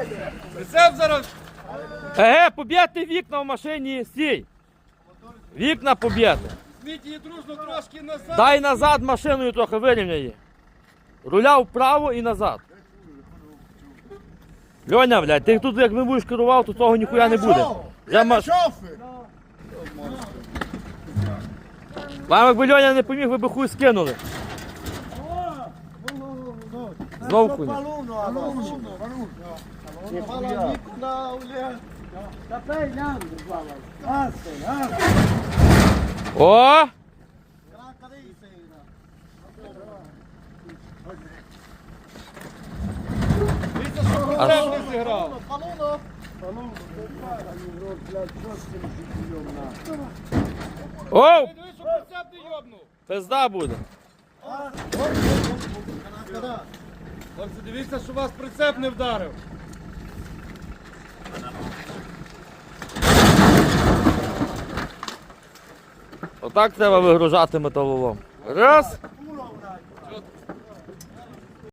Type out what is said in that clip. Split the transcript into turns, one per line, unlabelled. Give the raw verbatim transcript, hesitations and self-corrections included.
Прицеп зараз.
Еге, поб'єте вікна в машині, стій. Вікна поб'єте.
Зміть її дружно трошки назад.
Дай назад машиною трохи вирівняй її. Руля вправо і назад. Льоня, блядь, ти тут як не будеш керував, то того ніхуя не буде. Вже маш... Вам якби Льоня не поміг, ви б хуй скинули. Знову хуй. О!
Дивіться, що прицеп не зіграв.
Оу!
Дивись, що прицеп не йобнув.
Пизда буде.
Хлопці, дивіться, що вас прицеп не вдарив.
Отак треба вигружати металолом. Раз.